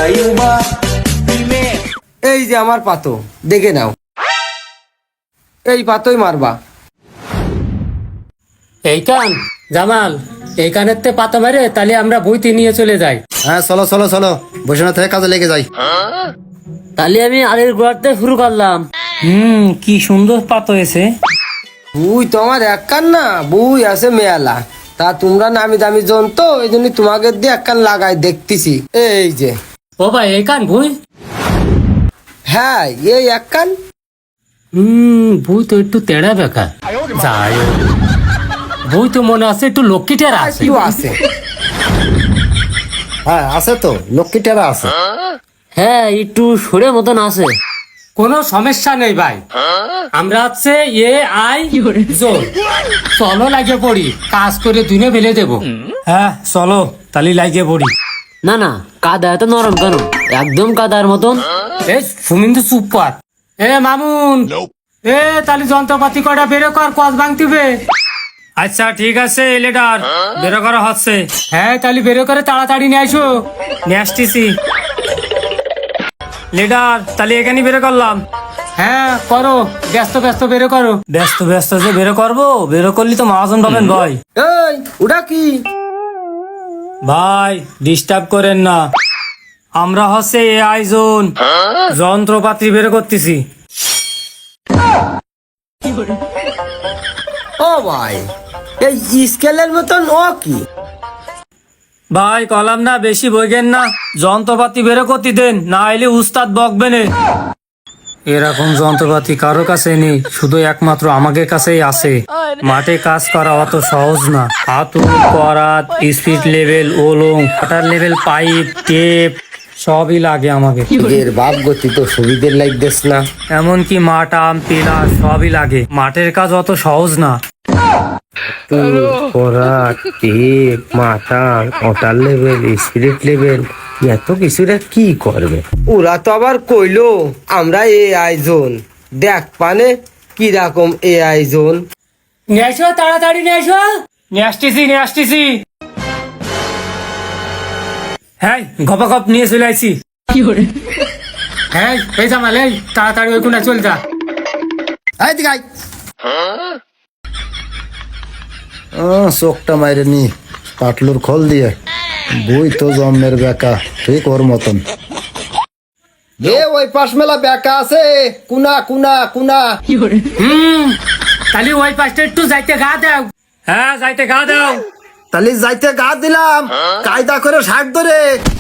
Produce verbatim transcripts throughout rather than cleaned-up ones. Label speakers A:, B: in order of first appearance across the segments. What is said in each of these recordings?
A: এই যে আমার পাতো, দেখে নাও, এই পাতোই মারবা।
B: এই কান জামাল, এই কানের তে পাতা মারে তাহলে আমরা বইতে নিয়ে চলে যাই।
C: হ্যাঁ চলো চলো চলো, বসে না থেকে কাজে লেগে যাই।
D: তাহলে আমি আলের গোড়াতে শুরু করলাম।
B: হুম, কি সুন্দর পাত হয়েছে।
A: বুই তোমার এক কান না, বুই আছে মেয়ালা। তা তোমরা নামি দামি জন তো, এই জন্য তোমাকে দিয়ে এক কান লাগাই দেখতেছি। এই যে
B: ও ভাই, এই কান বই।
A: হ্যাঁ, এই এক কান।
B: হুম, বই তো একটু তেড়া বেকা। যাই হোক, বই তো মনে আছে একটু লক্ষ্মীটার আছে।
A: একটু আছে।
C: হ্যাঁ আছে তো, লক্ষ্মীটারা আছে।
D: হ্যাঁ, একটু সরে মতন আছে।
B: কোনো সমস্যা নেই ভাই, আমরা হচ্ছে এ আই জোন। চলো লাগে পড়ি, কাজ করে দিনে ফেলে দেবো। হ্যাঁ চলো তাহলে লাগে পড়ি।
D: না না, কাদা এত নরম কেন? একদম কাদার মতন।
B: এই সুমিন্দু চুপ কর। এ মামুন, এ তাহলে যন্ত্রপাতি কটা বেরো কর, কস ভাঙতিবে। আচ্ছা ঠিক আছে লিডার, বেরো করা হচ্ছে। হ্যাঁ তাহলে বেরো করে তাড়াতাড়ি নিয়ে আসো। নিয়ে আসতেছি লিডার, তাহলে এখানে বেরো করলাম। হ্যাঁ করো, ব্যস্ত ব্যস্ত বেরো করো। ব্যস্ত ব্যস্ত যে বেরো করবো, বেরো করলি তো মহাজন পাবেন ভাই।
A: এই ওটা কি?
B: ভাই ডিস্টার্ব করেন না, আমরা হচ্ছে এ আই জোন, যন্ত্রপাতি বের করতেছি।
A: ও ভাই, এই স্কেলের মতন ও কি?
B: ভাই কলাম না, বেশি বইগেন না, যন্ত্রপাতি বের করতে দেন, না এলে উস্তাদ বকবেন। এরকম যন্ত্রপাতি কারো কাছে নেই, শুধু একমাত্র আমাদের কাছেই আছে। মাঠে কাজ করা অত সহজ না। হাতুড়, করাত, স্পিড লেভেল, ওলং, ওয়াটার লেভেল, পাইপ, টেপ সবই লাগে আমাকে।
C: এর বাপ গতি তো সুবিধের লাগতেছ না।
B: এমনকি মাটাম পিলার সবই লাগে। মাঠের কাজ অত সহজ না।
A: করা, টেপ, মাথা, ওটার লেভেল, স্পিরিট লেভেল, এত কিছুরা কি করবে? ওরা তো আবার কইলো আমরা এ আই জোন। দেখ পানে কি রকম এ আই জোন।
B: নিয়ে আসো, তাড়াতাড়ি নিয়ে আসো। নিয়ে আসতেছি নিয়ে আসতেছি। হ্যাঁ গপা গপ নিয়ে চলে আসছি। হ্যাঁ এই জামাল, এই তাড়াতাড়ি ওই কোনা চল যা।
C: এই দিকে আয়। আহ, চোখটা মাইরে নি পাটলুর খোল দিয়ে। বই তো জন্মের বেকা, ঠিক ওর মতন।
A: এ ওই পাশ মেলা বেকা আছে, কুনা কুনা কুনা।
B: হুম, তাহলে ওই পাশটা একটু যাইতে গা দাও। হ্যাঁ যাইতে গা দাও।
C: তাহলে যাইতে গা দিলাম, কায়দা করে ষাট ধরে।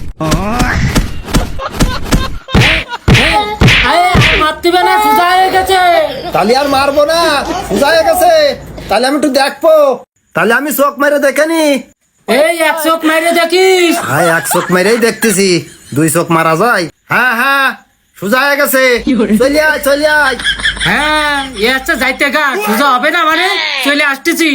B: মারতিবে না, সোজা হয়ে গেছে।
C: তাহলে আর মারবো না, সোজা হয়ে গেছে। তাহলে আমি একটু দেখবো। তাহলে আমি চোখ মেরে দেখেনি।
B: এই এক চোখ মাইরে দেখিস।
C: হ্যাঁ এক চোখ মেরেই দেখতেছি, দুই চোখ মারা যায়। হ্যাঁ হ্যাঁ সোজা হয়ে গেছে, চলে আয় চলে আয়।
B: হ্যাঁ এ আচ্ছা যাইতে গা, সোজা হবে না মানে, চলে আসতেছি।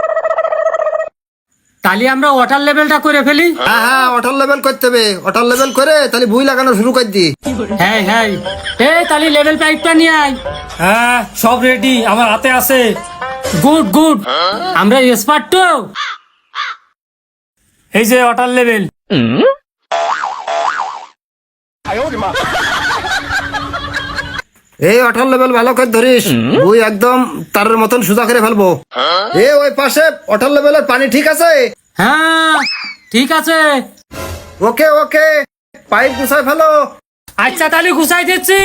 B: তাহলে আমরা ওয়াটার লেভেলটা করে ফেলি।
C: হ্যাঁ হ্যাঁ ওটার লেভেল করতে হবে, ওটার লেভেল করে তাহলে বুই লাগানো শুরু করে দি।
B: হ্যাঁ হ্যাঁ, এই তাহলে লেভেল পাইপটা নিয়ে আয়। হ্যাঁ সব রেডি, আমার হাতে আছে। গুড গুড, আমরা এক্সপার্ট তো। এই যে ওয়াটার লেভেল।
C: এই ওটার লেভেল ভালো করে ধরিস, বুই একদম তারের মতন সোজা করে ফেলবো। এ ওই পাশে ওটার লেভেলের পানি ঠিক আছে?
B: হ্যাঁ ঠিক আছে।
C: ওকে ওকে, পাইপ গুছাই ফেলো।
B: আচ্ছা তাহলে গুছাই দিচ্ছি।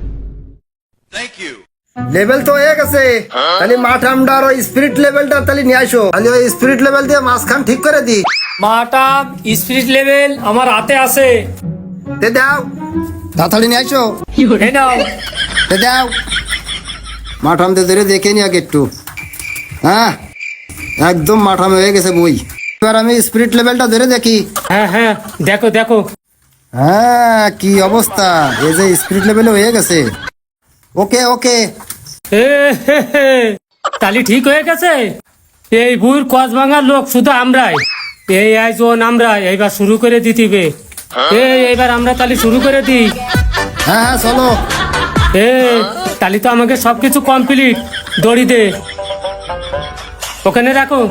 C: লেভেল তো হয়ে গেছে, তাহলে মাঠ আমরা আর ওই স্পিরিট লেভেলটা তাহলে নিয়ে আসো। তাহলে ওই স্পিরিট লেভেল দিয়ে মাঝখান ঠিক করে দি।
B: মাটা স্পিরিট লেভেল আমার হাতে আছে।
C: তে দাও, তাড়াতাড়ি নিয়ে আসো।
B: এই নাও।
C: তে দাও, মাঠামতে ধরে দেখে নি আগে একটু। হ্যাঁ একদম মাঠামে হয়ে গেছে বই। এবার আমি স্পিরিট লেভেলটা ধরে দেখি।
B: হ্যাঁ হ্যাঁ দেখো দেখো।
C: হ্যাঁ কি অবস্থা, এই যে স্পিরিট লেভেলে হয়ে গেছে। ওকে ওকে,
B: এ হে হে, তাহলে ঠিক হয়ে গেছে। এই বুর কস ভাঙার লোক শুধু আমরাই। এই আয়োজন আমরা এইবার শুরু করে দিতিবে। এই এইবার আমরা তাহলে শুরু করে দিই।
C: হ্যাঁ হ্যাঁ চলো।
B: এ তাহলে তো আমাকে সবকিছু কমপ্লিট। দড়ি দে, ওখানে রাখো।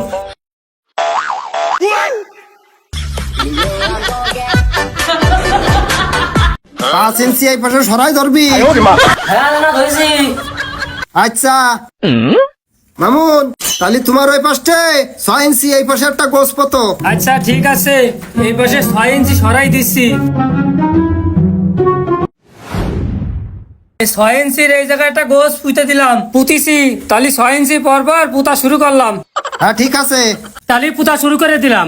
C: পাঁচ ইঞ্চি এই পাশে সরাই ধরবি।
D: হ্যাঁ দাদা ধরেছি।
C: আচ্ছা মামুন, তাহলে তোমার ওই পাশে ছয় ইঞ্চি এই পাশে একটা গোছ পতো।
B: আচ্ছা ঠিক আছে, এই পাশে ছয় ইঞ্চি সরাই দিচ্ছি। এই ছয় ইঞ্চির এই জায়গায় একটা গোছ পুঁতে দিলাম, পুঁতিছি। তাহলে ছয় ইঞ্চি পর পর পুঁতা শুরু করলাম।
C: হ্যাঁ ঠিক আছে।
B: তাহলে পুঁতা শুরু করে দিলাম।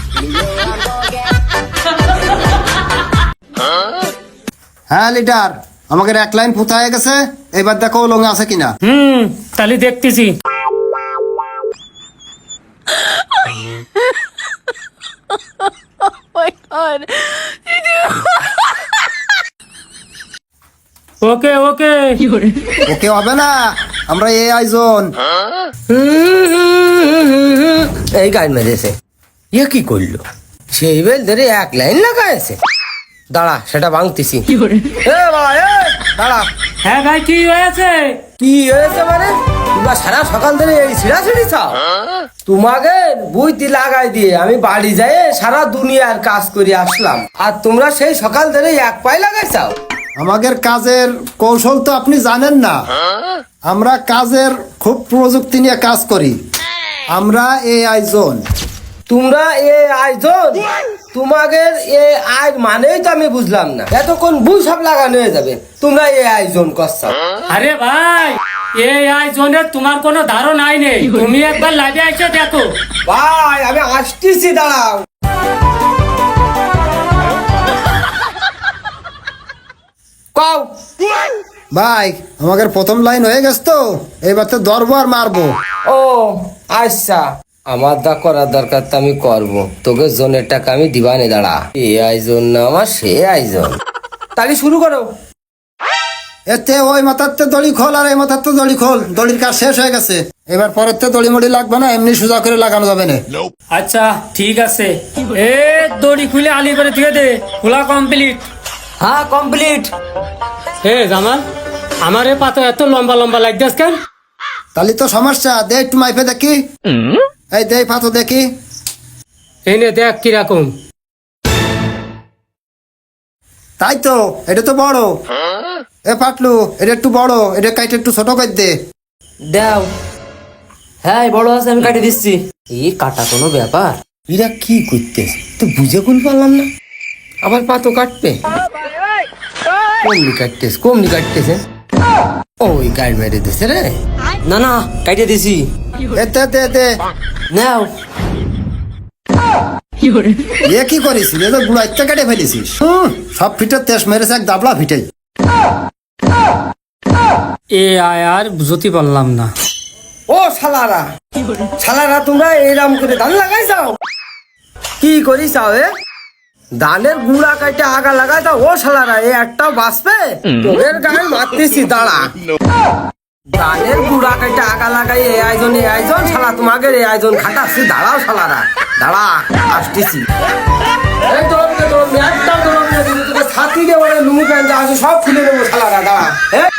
C: হ্যাঁ লিডার, আমাদের এক লাইন পুঁতা হয়ে গেছে, এবার দেখো লঙ্গে আছে কিনা।
B: হুম, তাহলে দেখতেছি। ওকে ওকে।
C: ওকে হবে না, আমরা এই আয়োজন।
A: এই গান মেরেছে, ইয়ে কি করলো? সেই বেল ধরে এক লাইন লাগাইছে। দাঁড়া, সেটা ভাঙতেছি। এ বাবা, এ দাঁড়া।
B: হ্যাঁ ভাই, কি হয়েছে?
A: কি হয়েছে মানে? তোমরা সারা সকাল ধরে এই ছিড়াছিড়ি চাও? তোমাকে বুঝতি লাগাই দিয়ে আমি বাড়ি যাই সারা দুনিয়ার কাজ করে আসলাম, আর তোমরা সেই সকাল ধরে এক পায়ে লাগাই চাও?
C: আমাদের কাজের কৌশল তো আপনি জানেন না। আমরা কাজের খুব প্রযুক্তি নিয়ে কাজ করি। আমরা এই আয়োজন।
A: তোমরা এ আয়োজন? তোমাদের এ আয় মানেই তো আমি বুঝলাম না। এতক্ষণ বুঝ সব লাগানো হয়ে যাবে, তোমরা এ আয়োজন করছো।
B: আরে ভাই, এই আয়োজনের তোমার কোনো ধারণাই নেই। তুমি একবার লাইভে এসে দেখো।
A: ভাই আমি আসতেছি, দাঁড়াও। কও।
C: ভাই আমাদের প্রথম লাইন হয়ে গেছে তো, এবার তো ধরবো আর মারবো।
A: ও আচ্ছা, আমার দা করার দরকার তো আমি করবো, তোকে জোনের টাকা আমি দিবানে। দাঁড়া, এই আয়োজন না আমার সে আয়োজন। তাহলে শুরু করো।
C: এতে ওই মাথাতে দড়ি খোল আর এই মাথাতে দড়ি খোল, দড়ির কাজ শেষ হয়ে গেছে। এবার পরের তে দড়ি মড়ি লাগবে না, এমনি সোজা করে লাগানো যাবে না।
B: আচ্ছা ঠিক আছে। এ দড়ি খুলে আলি করে দিয়ে দে। খোলা কমপ্লিট।
D: হ্যাঁ কমপ্লিট।
B: হে জামাল, আমার এ পাতা এত লম্বা লম্বা লাগতেছ কেন?
C: তাহলে তো সমস্যা, দে একটু মাইপে দেখি। এই দে পাতো দেখি।
B: এই নে দেখ কিরকম।
C: তাই তো, এটা তো বড়। এ পাটলু, এটা একটু বড়, এটা কাইটে একটু ছোট করে দে।
D: দাও। হ্যাঁ এই বড় আছে, আমি কাটে দিচ্ছি। এই কাটা কোনো ব্যাপার?
A: এরা কি করতেছে তো বুঝে কুল পারলাম না। আবার পাতো কাটবে, কমনি কাটতেছে, কমনি কাটতেছে। ওই গাড়ি মেরে দিছে রে।
D: না না, কাটে দিছি।
C: এতে দে দে।
D: নাও।
C: এ কি করিস? এ তো গুড়া ইত্যা কেটে ফেলেছিস। হুম, সব ফিটের তেজ মেরেছে এক দাবলা ফিটেই।
B: এ আয় আর বুঝতে পারলাম না।
A: ও শালারা, শালারা তোমরা এরম করে ধান লাগাই যাও? কি করি চাও? এ ধানের গুড়া কাটে আগা লাগাই দাও। ও শালারা, এ একটাও বাঁচবে? তোদের গায়ে মারতেছি, দাঁড়া। ধানের গুড়া কাটে আগা লাগাই এ আয়োজন, এ আয়োজন। শালা তোমাকে এই আয়োজন খাটাচ্ছি, দাঁড়াও শালারা, দাঁড়া, আসতেছি। এই দৌড় দে, দৌড় দে, একদম দৌড় দে, তোকে ছাতি দিয়ে ওরে লুঙ্গি প্যান্ট যা আছে সব খুলে নেবো শালারা, দাঁড়া।